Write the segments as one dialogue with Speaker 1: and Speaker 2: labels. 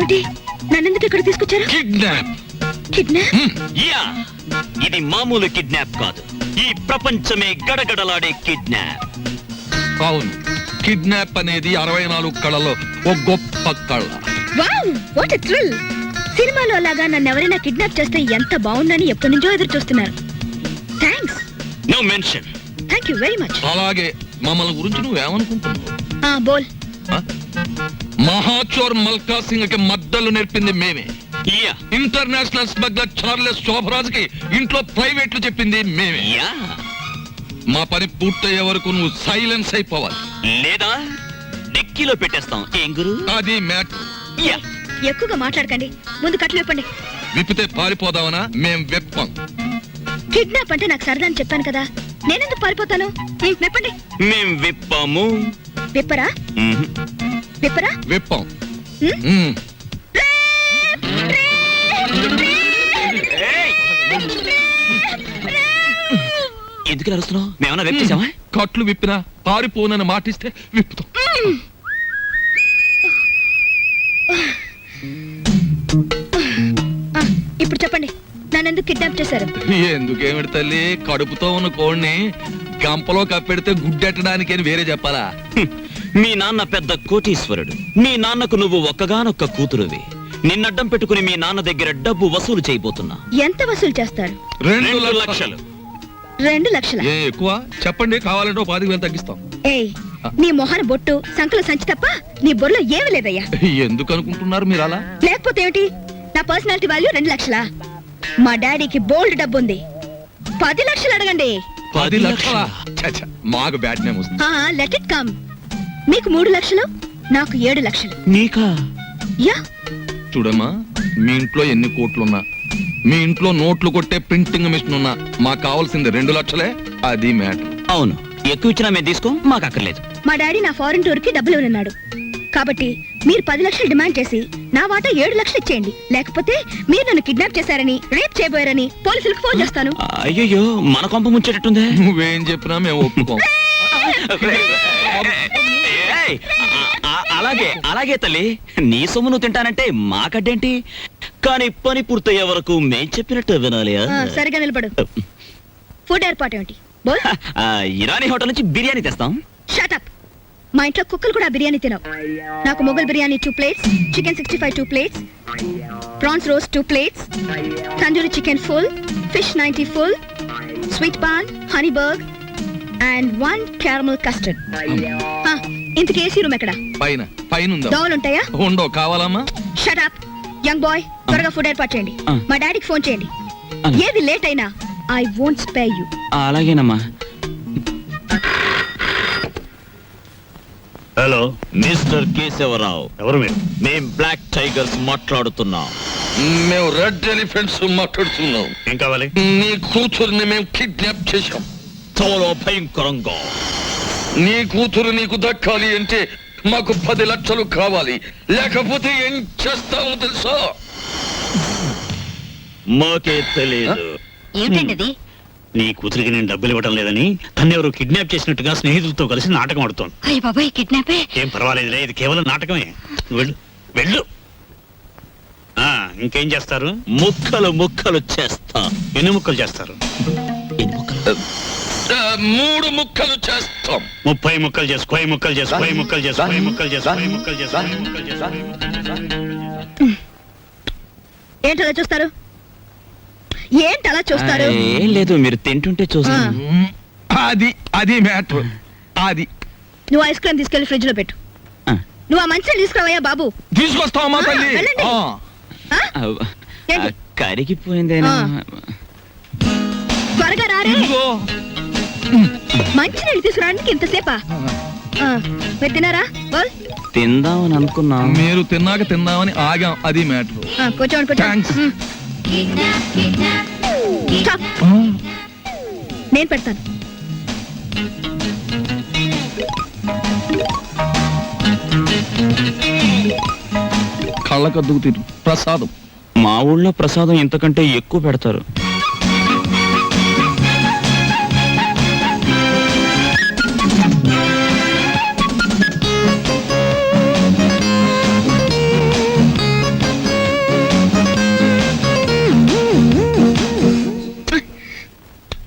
Speaker 1: ఏమిటి నన్నెందుకు ఇక్కడ తీసుకొచ్చారు?
Speaker 2: కిడ్నాప్.
Speaker 1: కిడ్నాప్?
Speaker 3: యా, ఇది మామూలు కిడ్నాప్ కాదు, ఈ ప్రపంచమే గడగడలాడే కిడ్నాప్.
Speaker 2: అవును, కిడ్నాప్ అనేది 64 కళలో ఒక గొప్ప కళ.
Speaker 1: Wow, what a thrill! సినిమాలో లాగా నన్ను ఎవరైనా కిడ్నాప్ చేస్తే ఎంత బాగుందని ఎప్పటి నుంచో ఎదురు చూస్తున్నారు. Thanks.
Speaker 3: No mention.
Speaker 1: Thank you very much.
Speaker 2: అలాగే మమ్మల్ని గురించి నువ్వేమనుకుంటున్నావు?
Speaker 1: బోల్.
Speaker 2: మహాచోర్ మల్కా సింగ్ కి మద్దలు నేర్పింది మేమే.
Speaker 3: Yeah,
Speaker 2: international smuggler Charles Sobhraj కి ఇంట్లో ప్రైవేట్లు చెప్పింది మేమే.
Speaker 3: యా.
Speaker 2: మా పని పూర్తయ్యే వరకు నువ్వు సైలెన్స్ అయిపోవాలి,
Speaker 3: లేదా డెక్కీలో పెట్టేస్తాం. ఏం గురు?
Speaker 2: అది మ్యాటర్.
Speaker 3: యా.
Speaker 1: ఎక్కువగా మాట్లాడకండి, ముందు కట్లు విప్పండి.
Speaker 2: విప్పితే పారిపోదామనా? మేం వెప్పం.
Speaker 1: కిడ్నాప్ అంటే నాకు సరదా అని చెప్పాను కదా, నేనెందుకు పారిపోతాను? విప్పండి.
Speaker 3: మేం విప్పాము.
Speaker 1: విప్పరా? విప్పరా?
Speaker 2: వెప్పం.
Speaker 3: ఎందుకు అరుస్తున్నావు? మేమన్నా వెప్పేసామా?
Speaker 2: కట్లు విప్పినా పారిపోనని మాటిస్తే విప్పుతాం.
Speaker 1: ఇప్పుడు చెప్పండి, నన్నెందుకు కిడ్నాప్ చేశారు?
Speaker 2: ఎందుకేమిటి తల్లి, కడుపుతో ఉన్న కోడిని గంపలో కప్పెడితే గుడ్డెట్టడానికి అని వేరే చెప్పాలా?
Speaker 3: మీ నాన్న పెద్ద కోటీశ్వరుడు, మీ నాన్నకు నువ్వు ఒక్కగానొక్క కూతురువి. నిన్నడ్డం పెట్టుకుని మీ నాన్న దగ్గర డబ్బు వసూలు చేయబోతున్నా.
Speaker 1: ఎంత వసూలు చేస్తారు?
Speaker 2: 2 లక్షలు.
Speaker 1: 2 లక్షల?
Speaker 2: ఏ ఎక్కువ చెప్పండి, కావాలంటే 10,000 తగ్గిస్తాం.
Speaker 1: ఏయ్, నీ మొహన బొట్టు సంకల సంచి తప్ప నీ బొర్రలో ఏమీ లేదయ్యా.
Speaker 2: ఎందుకు అనుకుంటున్నారు మీరు అలా?
Speaker 1: లేకపోతే ఏమిటి, నా పర్సనాలిటీ వాల్యూ 2 లక్షలా? మా డాడీకి బోల్డ్ డబ్బు ఉంది, 10 లక్షలు అడగండి.
Speaker 2: 10 లక్షలా? మాకు బ్యాడ్ నేమ్ వస్తుంది.
Speaker 1: Let it come. మీకు 3 లక్షలు, నాకు 7 లక్షలు.
Speaker 3: నీకా?
Speaker 1: యా.
Speaker 2: చూడమ్మా, మీ ఇంట్లో ఎన్ని కోట్లున్నా, మీ ఇంట్లో నోట్లు కొట్టే ప్రింటింగ్ మిషన్ ఉన్నా, మాకు కావాల్సింది 2 లక్షలే. అది మ్యాటర్.
Speaker 3: అవును, ఎక్కువ ఇచ్చినా మేము తీసుకో, మాకు అక్కర్లేదు.
Speaker 1: మా డాడీ నా ఫారెన్ టూర్ కి డబ్బులు ఇవ్వనున్నాడు, కాబట్టి మీరు 10 లక్షలు డిమాండ్ చేసి నా వాటా 7 లక్షలు ఇచ్చేయండి. లేకపోతే మీరు నన్ను కిడ్నాప్ చేశారని, రేప్ చేయబోయారని పోలీసులకు ఫోన్ చేస్తాను.
Speaker 3: అయ్యో, మన కొంప ముంచేటట్టుందే.
Speaker 2: నువ్వేం చెప్పినా మేము ఒప్పుకోం.
Speaker 3: ఏయ్, అలాగే అలాగే తల్లి, నీ సొమ్ము నువ్వు తింటానంటే మాకడ్డేంటి? కానీ పని పూర్తయ్యే వరకు మేం చెప్పినట్టు వినాలి.
Speaker 1: సరిగా నిలబడు. ఫుడ్ ఏర్పాటు ఏమిటి? బోల్.
Speaker 3: ఇరానీ హోటల్ నుంచి బిర్యానీ తెస్తాం.
Speaker 1: Shut up. మా ఇంట్లో కుక్కలు కూడా బిర్యానీ తినవు. నాకు Mughal biryani 2 plates, chicken 65 2 plates, prawns roast 2 plates, tandoori chicken full, fish 90 full, sweet paan, honey burg and 1 caramel custard. ఇంతకీ ఏసీ రూమ్ ఎక్కడ?
Speaker 2: పైన ఉందా?
Speaker 1: దోవలు ఉంటాయా?
Speaker 2: ఉండో. కావాలమ్మా?
Speaker 1: షట్ అప్ యంగ్ బాయ్, త్వరగా ఫుడ్ ఏర్పాటు చేయండి. మా డాడీకి ఫోన్ చేయండి. ఏది లేట్ అయినా ఐ వోంట్ స్పేర్ యు.
Speaker 3: అలాగేనమ్మా.
Speaker 4: Hello,
Speaker 3: mister Keshavarao.
Speaker 4: ఎవరు మీరు?
Speaker 3: మేం బ్లాక్ టైగర్స్ మాట్లాడుతున్నాం.
Speaker 2: మేము రెడ్ ఎలిఫెంట్స్ మాట్లాడుతున్నాం.
Speaker 4: ఏం కావాలి?
Speaker 2: నీ కూతురుని మేము కిడ్నాప్ చేశాం.
Speaker 3: చాలా భయంకరంగా.
Speaker 2: నీ కూతురు నీకు దక్కాలి అంటే మాకు 10 లక్షలు కావాలి, లేకపోతే ఏం చేస్తామో తెలుసా?
Speaker 3: మాకే తెలియదు.
Speaker 1: ఏమిటండి?
Speaker 4: నీ కూతురికి నేను డబ్బులు ఇవ్వడం లేదని తన్నెవరు కిడ్నాప్ చేసినట్టుగా స్నేహితులతో కలిసి నాటకం ఆడుతోంది.
Speaker 1: అయ్య బాబాయ్, కిడ్నాపే?
Speaker 4: ఏం పర్వాలేదులే, ఇది కేవలం నాటకమే. వెళ్ళు వెళ్ళు. ఇంకేం చేస్తారు?
Speaker 3: ముక్కలు ముక్కలు చేస్తా.
Speaker 4: ఎన్ని ముక్కలు చేస్తారు?
Speaker 2: 3 ముక్కలు చేస్తాం.
Speaker 4: 30 ముక్కలు చేసు. 10 ముక్కలు చేసు. 10 ముక్కలు చేసు. 10 ముక్కలు చేసు. 10 ముక్కలు చేసు. 10 ముక్కలు చేసు.
Speaker 1: ఏంటలా చూస్తారు? ఏంటలా చూస్తారు?
Speaker 3: ఏం లేదు, మీరు తింటుంటే చూస్తా.
Speaker 2: అది మ్యాటర్. అది
Speaker 1: నువ్వు ఐస్ క్రీమ్ తీసుకెళ్లి ఫ్రిడ్జ్ లో పెట్టు. నువ్వు ఆ మంచిని తీసుకురావయ్యా బాబు.
Speaker 2: తీసుకొస్తావమ్మా తల్లి.
Speaker 1: వెళ్ళండి. ఏంటి?
Speaker 3: కరిగిపోయిందేనా?
Speaker 1: త్వరగా రారే. మంచి నీళ్ళు తీసుకురావడానికి ఇంతసేపా? మీరు తిన్నారా?
Speaker 3: తిందామని అనుకున్నా.
Speaker 2: మీరు తిన్నాక తిందామని ఆగాం. అది మ్యాటర్.
Speaker 1: కొంచెం నేను పెడతాను.
Speaker 2: కళ్ళకద్దుకు తిరు ప్రసాదం.
Speaker 3: మా ఊళ్ళో ప్రసాదం ఇంతకంటే ఎక్కువ పెడతారు.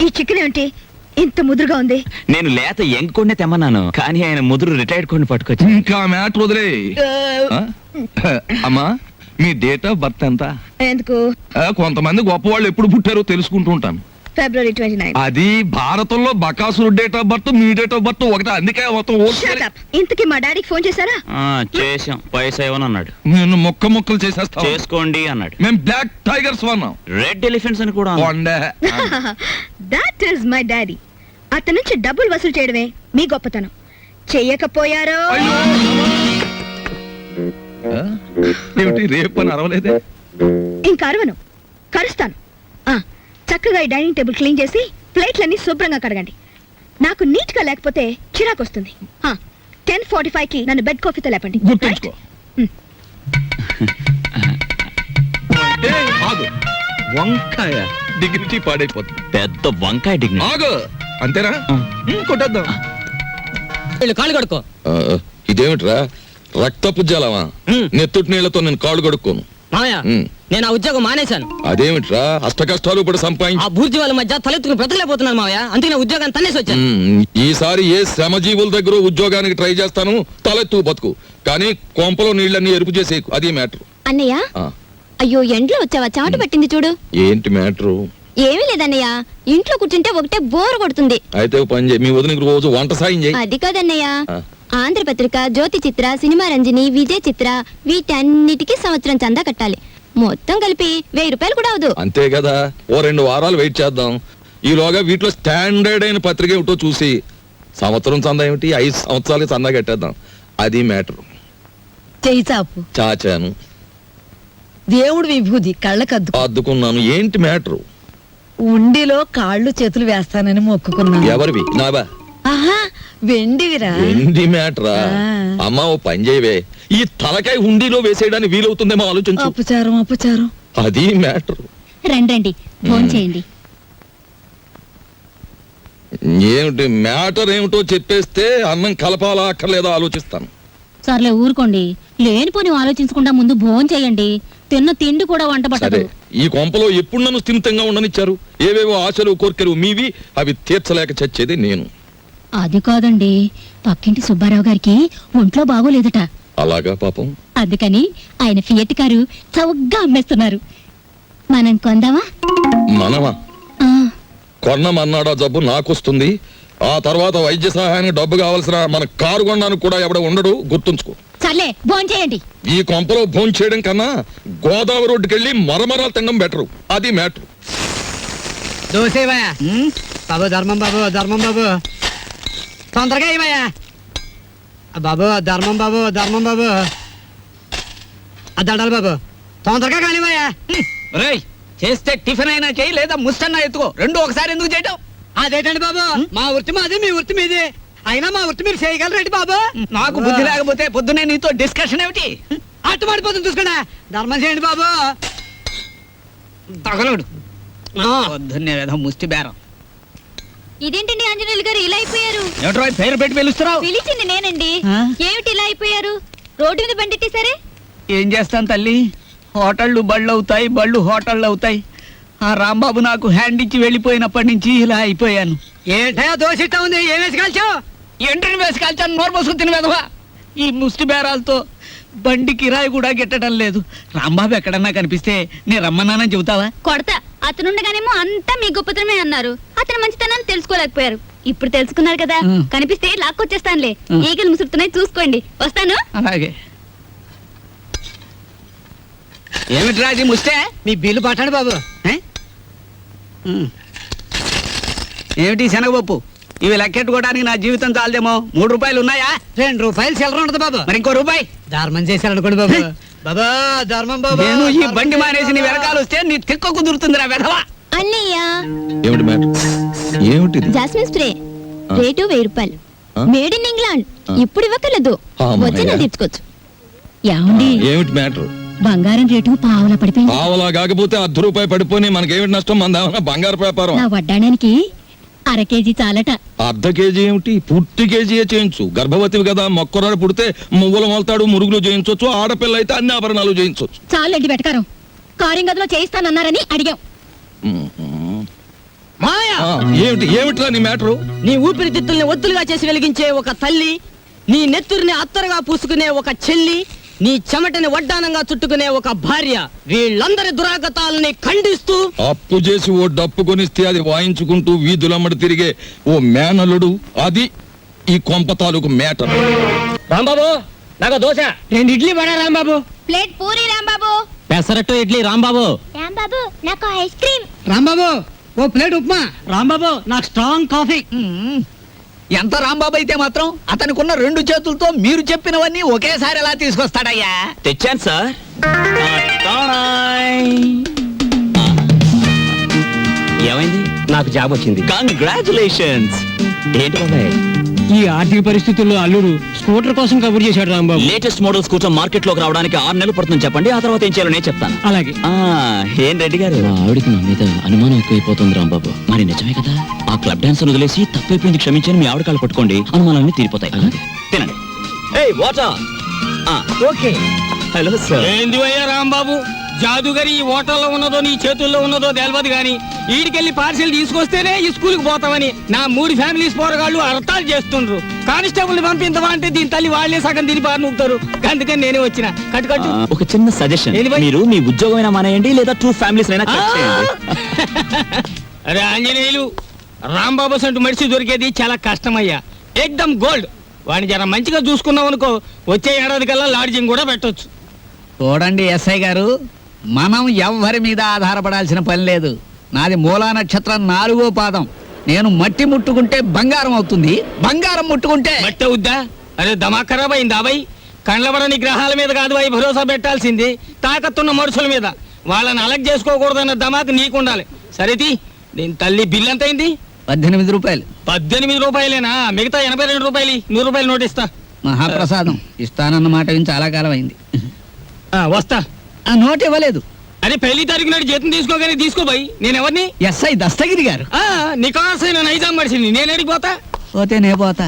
Speaker 1: ఈ చికెన్ ఏంటి ఇంత ముదురుగా ఉంది?
Speaker 3: నేను లేత ఎంకొండే తెమ్మన్నాను, కానీ ఆయన ముదురు రిటైర్డ్ కొన్ని పట్టుకొచ్చి.
Speaker 2: ఇంకా మ్యాటర్ వదిలే. ఆ? అమ్మా, మీ డేట్ ఆఫ్ బర్త్ ఎంత?
Speaker 1: ఎందుకు?
Speaker 2: కొంతమంది గొప్పవాళ్ళు ఎప్పుడు పుట్టారో తెలుసుకుంటూ ఉంటాను.
Speaker 1: February 29.
Speaker 2: అది భారతంలో బకాసురు డేట్ ఆఫ్ బర్త్, మీ డేట్ ఆఫ్ బర్త్ ఒకటే, అందుకే మొత్తం
Speaker 1: Shut up. ఇంతకీ మా డాడీకి ఫోన్ చేశారా?
Speaker 3: చేసాం, పైసా ఇవ్వనన్నాడు.
Speaker 2: నేను ముక్కలు చేసేస్తా.
Speaker 3: చేసుకోండి అన్నాడు.
Speaker 2: మేము బ్లాక్ టైగర్స్ వన్నాం.
Speaker 3: రెడ్ ఎలిఫెంట్స్ అని కూడా అన్నాడు.
Speaker 1: That is my daddy. అతని నుంచి డబ్బులు వసూలు చేయడమే మీ గొప్పతనం. చెయ్యకపోయారో
Speaker 2: ఏమిటి రేపు అని అరవలేదే?
Speaker 1: ఇంకా అరవను, కరుస్తాను. చక్కగా ఈ డైనింగ్ టేబుల్ క్లీన్ చేసి ప్లేట్లన్నీ శుభ్రంగా కడగండి. నాకు నీట్ గా లేకపోతే చిరాకు వస్తుంది. 10:45 కి నన్ను బెడ్ కాఫీతో లేపండి.
Speaker 2: గుర్తుంచుకో. ఆగు, వంకాయ డిగ్నిటీ పాడైపోతుంది.
Speaker 3: పెద్ద వంకాయ డిగ్ని.
Speaker 2: ఆగు, అంతేనా? కొట్టేద్దాం.
Speaker 5: కాళ్ళు కడుక్కో.
Speaker 2: ఇదేమిట్రా, రక్తపు జలమా? నెత్తుటి నీళ్లతో నేను కాళ్ళు కడుక్కోను.
Speaker 5: మామయ్య, నేను ఆ ఉద్యోగం మానేశాను.
Speaker 2: అదేమిట్రా, అష్ట కష్టాలు ఇప్పుడు
Speaker 5: ఆ
Speaker 2: సంపాదించి
Speaker 5: బూర్జీ వాళ్ళ మధ్య తలెత్తుకుని బ్రతకలేకపోతున్నాను మామయ్య, అందుకే నా ఉద్యోగాన్ని తన్నేసి వచ్చాను.
Speaker 2: ఈసారి ఏ శ్రమజీవుల దగ్గర ఉద్యోగానికి ట్రై చేస్తాను, తలెత్తు బతుకు. కానీ కొంపలో నీళ్ళన్నీ ఎరుపు చేసే, అది మ్యాటర్.
Speaker 6: అన్నయ్య, అయ్యో ఎండ్లో వచ్చావా? చెమట పట్టింది చూడు.
Speaker 2: ఏంటి మ్యాటరు?
Speaker 6: ఏమీ లేదన్నయ్య, ఇంట్లో కూర్చుంటే ఒకటే బోర్ కొడుతుంది.
Speaker 2: అయితే ఓ పని చేయి, మీ వదినకి రోజు వంట సాయం చేయి.
Speaker 6: అది కాదన్నయ్య,
Speaker 2: ఆ.
Speaker 6: ఆంధ్రపత్రిక, జ్యోతి చిత్ర, సినిమా రంజని, విజయ్ చిత్ర, వీటన్నిటికీ సంవత్సరం చందా కట్టాలి. మొత్తం కలిపి 1000 రూపాయలు కూడా అవదు.
Speaker 2: అంతే కదా, ఓ 2 వారాలు వెయిట్ చేద్దాం. ఈలోగా వీటిలో స్టాండర్డ్ అయిన పత్రిక ఏమిటో చూసి సంవత్సరం చందా ఏమిటి, 5 సంవత్సరాలకి చందా కట్టేద్దాం. అది మ్యాటర్.
Speaker 7: చెయ్యి చాపు.
Speaker 2: చాచాను,
Speaker 7: దేవుడు విభూది కళ్ళకద్దు.
Speaker 2: అద్దుకున్నాను. ఏంటి మ్యాటర్?
Speaker 7: ఉండిలో కాళ్ళు చేతులు వేస్తానని మొక్కుకున్నాను.
Speaker 2: ఎవరివి? నావా?
Speaker 7: ఆహా, వెండివిరా.
Speaker 2: ఏంటి మ్యాటరా?
Speaker 7: ఆ.
Speaker 2: అమ్మా, ఓ పని చేయవే, ఈ తలకాయ హుండీలో వేసేయడానికి వీలవుతుందేమో ఆలోచించు.
Speaker 7: అపచారం.
Speaker 2: అది మ్యాటర్.
Speaker 6: రండి ఫోన్ చేయండి.
Speaker 2: ఏమిటి మ్యాటర్ ఏమిటో చెప్పేస్తే అన్నం కలపాలా అక్కర్లేదా ఆలోచిస్తాను.
Speaker 6: సర్లే ఊరుకోండి, లేనిపోని ఆలోచించకుండా ముందు భోజనం చేయండి. తిన్న తిండి కూడా వంట
Speaker 2: సరే,
Speaker 6: పట్టదు.
Speaker 2: ఈ కొంపలో ఎప్పుడు నన్ను స్థిమితంగా ఉండనిచ్చారు? ఏవేవో ఆశలు కోర్కెలు మీవి, అవి తీర్చలేక చచ్చేది నేను.
Speaker 6: అది కాదండి, పక్కింటి సుబ్బారావు గారికి ఒంట్లో బాగోలేదట.
Speaker 2: అలాగా పాపం.
Speaker 6: అందుకని ఆయన ఫియట్ కారు చౌకగా అమ్మేస్తున్నారు. మనం కొందామా?
Speaker 2: మనమా?
Speaker 6: ఆ,
Speaker 2: కొన్నమన్నాడా జబ్బు నాకొస్తుంది. ఆ తర్వాత వైద్య సహాయానికి డబ్బు కావాల్సిన మన కారు కొనడానికి కూడా ఎవడ ఉండడు, గుర్తుంచుకో.
Speaker 6: సర్లే భోజనం చేయండి.
Speaker 2: ఈ కొంపలో భోంచేయడం చేయడం కన్నా గోదావరి రోడ్డుకెళ్ళి మరమరాలు తినడం బెటరు. అది మ్యాటర్.
Speaker 7: దోసేవయ్యా బాబు, ధర్మం బాబు తొందరగా ఇవయ్యా బాబు, ధర్మం బాబు దండాలి బాబు, తొందరగా కానివయ్యా.
Speaker 5: చేస్తే టిఫిన్ అయినా చేయి, లేదా ముస్తన్నా ఎత్తుకో. రెండు ఒకసారి ఎందుకు చేయటం?
Speaker 7: అదేంటండి బాబు, మా వృత్తి మాది, మీ వృత్తి మీది. అయినా మా వృత్తి మీరు చేయగలరేంటి బాబు?
Speaker 5: నాకు బుద్ధి లేకపోతే పొద్దునే నీతో డిస్కషన్ ఏమిటి?
Speaker 7: అట్టు పడిపోతుంది చూసుకోండి. ధర్మం చేయండి బాబు.
Speaker 5: తగలడు పొద్దున్నే ఏదో ముష్టి బేరం.
Speaker 6: ఇదేంటండి ఆంజనేయులు గారు ఇలా అయిపోయారు?
Speaker 5: ఏమిట్రా పేరు పెట్టి పిలుస్తున్నావు?
Speaker 6: పిలిచింది నేనండి.
Speaker 7: ఆ?
Speaker 6: ఏమిటి ఇలా అయిపోయారు? రోడ్డు మీద బండెట్టేశారే?
Speaker 5: ఏం చేస్తాను తల్లి, హోటళ్ళు బళ్ళు అవుతాయి, బళ్ళు హోటళ్ళు అవుతాయి. ఆ రాంబాబు నాకు హ్యాండ్ ఇచ్చి వెళ్ళిపోయినప్పటి నుంచి ఇలా అయిపోయాను.
Speaker 7: ఏంటయా దోశ ఇట్టా ఉంది, ఏం వేసి కాల్చావు?
Speaker 5: ఎంట్రీని వేసి కాల్చాను, నోరు పోసుకుని తిని వెదవా. ఈ ముష్టి బేరాలతో బండి కిరాయి కూడా గిట్టడం లేదు. రాంబాబు ఎక్కడన్నా కనిపిస్తే నేను రమ్మన్నానని చెబుతావా?
Speaker 6: కొడతా. అతనుండగానేమో అంతా మీ గొప్పతనమే అన్నారు. అతను మంచితనాన్ని తెలుసుకోలేకపోయారు. ఇప్పుడు తెలుసుకున్నారు కదా, కనిపిస్తే లాక్కొచ్చేస్తానులే. ఈగలు ముసురుతున్నాయి, చూసుకోండి. వస్తాను.
Speaker 5: అలాగే. ఏమిటి రాజీ ముస్తే?
Speaker 7: మీ బిల్లు పట్టండి బాబు.
Speaker 5: ఏమిటి శనగపప్పు? ఇవి లెక్కెట్టుకోవడానికి నా జీవితం చాలదేమో. 3 రూపాయలు ఉన్నాయా?
Speaker 7: 2 రూపాయలు చిల్లర ఉండదు బాబు.
Speaker 5: మరి ఇంకో రూపాయి.
Speaker 7: ధర్మం చేశారనుకోండి బాబు. బాబా, ధర్మం బాబు.
Speaker 5: నేను ఈ బండి మానేసి నీ వెనకాల వస్తే నీ తిక్క కుదురుతుందిరా వెధవా.
Speaker 6: అన్నయ్య,
Speaker 2: ఏమిటి మ్యాటర్? ఏమిటిది?
Speaker 6: జాస్మిన్ స్ప్రే రేటు 1000 రూపాయలు.
Speaker 2: ఆ?
Speaker 6: Made in England. ఇప్పుడు ఇవ్వకలేదు,
Speaker 2: అమ్మయ్య.
Speaker 6: వచ్చినా తీర్చుకోవచ్చు. ఏమండి,
Speaker 2: ఏమిటి మ్యాటర్?
Speaker 6: బంగారం రేటు పావులా పడిపోయింది.
Speaker 2: పావలా కాకపోతే ₹10 పడిపోయి మనకేమిటి నష్టం? మన బంగారు వ్యాపారం.
Speaker 6: నా వడ్డాడానికి 1/2 కేజీ చాలట.
Speaker 2: ½ కేజీ ఏమిటి, పూర్తి కేజీయే చేయించు. గర్భవతివి కదా, మొక్కరాడు పుడితే మువ్వలు మొలతాడు, మురుగులు చేయించవచ్చు. ఆడపిల్ల అయితే అన్ని ఆభరణాలు చేయించవచ్చు.
Speaker 6: చాలండి వెటకారం. కారింగదిలో చేయిస్తానన్నారని అడిగాం.
Speaker 2: మ్మ్.
Speaker 7: మాయా,
Speaker 2: ఆ. ఏమిట్రా నీ మ్యాటరు?
Speaker 7: నీ ఊపిరితిత్తుల్ని ఒత్తులుగా చేసి వెలిగించే ఒక తల్లి, నీ నెత్తురిని అత్తరుగా పూసుకునే ఒక చెల్లి, నీ చెమటని వడ్డానంగా చుట్టుకునే ఒక భార్య, వీళ్ళందరి దురాగతాలని ఖండిస్తూ
Speaker 2: అప్పు చేసి ఓ డప్పు కొనిస్తే అది వాయించుకుంటూ వీధులమ్మడి తిరిగే ఓ మేనలుడు, అది ఈ కొంప తాలూకు మేటర్.
Speaker 7: రాంబాబు నాకు దోశ 2 ఇడ్లీ పడా రాంబాబు.
Speaker 6: ప్లేట్ పూరి రాంబాబు.
Speaker 7: పెసరట్టు ఇడ్లీ రాంబాబు.
Speaker 6: రాంబాబు నాకు ఐస్ క్రీమ్.
Speaker 7: రాంబాబు ఓ ప్లేట్ ఉప్మా. రాంబాబు నాకు స్ట్రాంగ్ కాఫీ.
Speaker 5: ఎంత రాంబాబు అయితే మాత్రం అతనికున్న 2 చేతులతో మీరు చెప్పినవన్నీ ఒకేసారి ఎలా తీసుకొస్తాడయ్యా?
Speaker 3: తెచ్చాను సార్. ఏమైంది?
Speaker 7: నాకు జాబ్ వచ్చింది.
Speaker 3: కంగ్రాచులేషన్స్. ఏంటి బాబాయ్?
Speaker 7: ఈ ఆర్థిక పరిస్థితుల్లో అల్లుడు స్కూటర్ కోసం కబుర్ చేశాడు రాంబాబు.
Speaker 3: లేటెస్ట్ మోడల్స్ కూర్చొని మార్కెట్ లోకి రావడానికి 6 నెలలు పడుతుంది చెప్పండి, ఆ తర్వాత ఏం చేయాలో నేను చెప్తాను.
Speaker 7: అలాగే.
Speaker 3: ఏం రెడ్డి గారు? ఆవిడికి నా మీద అనుమానం ఎక్కువైపోతుంది రాంబాబు. మరి నిజమే కదా, ఆ క్లబ్ డాన్స్ వదిలేసి తప్పైపోయింది క్షమించని మీ ఆవిడ కాళ్ళు పట్టుకోండి, అనుమానాలన్నీ తీరిపోతాయి. తినండి. ఏయ్ వాటర్.
Speaker 5: ఓకే.
Speaker 3: Hello sir.
Speaker 5: ఏంది అయ్యా రాంబాబు, జాదుగరి ఈ హోటల్లో ఉన్నదో నీ చేతుల్లో ఉన్నదో తెలియదు గాని ఈడికెళ్ళి పార్సిల్ తీసుకొస్తేనే ఈ స్కూల్కి పోతామని నా 3 ఫ్యామిలీస్ పోరగాళ్ళు అర్థాలు చేస్తుండ్రు. కానిస్టేబుల్ పంపించవా అంటే దీని తల్లి వాళ్ళే సగం తిని బారి నూపుతారు. అందుకని నేనే వచ్చిన. కట్టు
Speaker 3: ఒక చిన్న సజెషన్,
Speaker 5: ఏంది భయ్?
Speaker 3: మీరు మీ ఉద్యోగమైనా మానేయండి లేదా 2 ఫ్యామిలీస్ అయినా cut చేయండి.
Speaker 5: అరే ఆంజనేయులు, రాంబాబు సంటూ మనిషి దొరికేది చాలా కష్టమయ్యా. ఏకదమ్ గోల్డ్. వాడిని జర మంచిగా చూసుకున్నాం అనుకో, వచ్చే ఏడాది కల్లా లాడ్జింగ్ కూడా పెట్టొచ్చు. చూడండి ఎస్ఐ గారు, మనం ఎవ్వరి మీద ఆధారపడాల్సిన పని లేదు. నాది మూలా నక్షత్రం 4వ పాదం. నేను మట్టి ముట్టుకుంటే బంగారం అవుతుంది, బంగారం ముట్టుకుంటే మట్టి అవుద్దా? అరే దమా ఖరాబ్ అయిందా బాయ్? కండ్లబడని గ్రహాల మీద కాదు బాయ్ భరోసా పెట్టాల్సింది, తాకత్తున్న మనుషుల మీద. వాళ్ళని అలగ్ చేసుకోకూడదన్న దమాకు నీకుండాలి. సరేది, దీని తల్లి బిల్ ఎంత అయింది? 18 రూపాయలు. 18 రూపాయలేనా? మిగతా 82 రూపాయలు 100 రూపాయలు నోట్ ఇస్తా. మహాప్రసాదం ఇస్తానన్న మాట విని చాలా కాలం అయింది. వస్తా. ఆ నోట్ ఇవ్వలేదు. అరే పెళ్లి తారీఖు నాడు జీతం తీసుకోగానే తీసుకోబాయి. నేను ఎవరిని? ఎస్ఐ దస్తగిరి గారు. నికాసైన నైజాం మనిషిని. నేను ఎడికి పోతా? పోతే నే పోతా.